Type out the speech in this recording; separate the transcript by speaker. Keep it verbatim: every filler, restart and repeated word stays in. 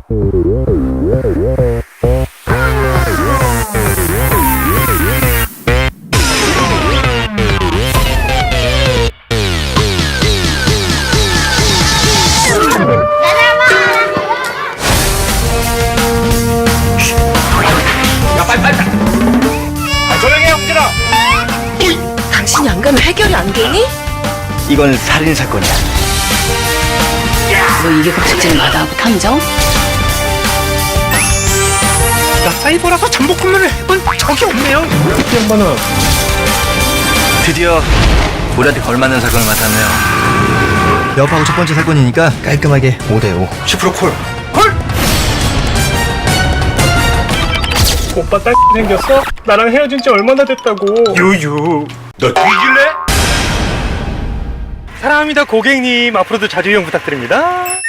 Speaker 1: 당신이 안 가면 해결이 안 되니?
Speaker 2: 이건 살인 사건이야.
Speaker 1: 너 이게 급식진 마다하고 탐정?
Speaker 3: 나 사이버라서 잠복 근무를 해본 적이 없네요. 이 양반아.
Speaker 2: 드디어 우리한테 걸맞는 사건을 맡았네요. 여파하고 첫 번째 사건이니까 깔끔하게 오 대 오. 십 퍼센트 콜. 콜!
Speaker 3: 오빠 딸 생겼어? 나랑 헤어진 지 얼마나 됐다고. 유유.
Speaker 4: 너 뒤질래?
Speaker 3: 사랑합니다 고객님. 앞으로도 자주 이용 부탁드립니다.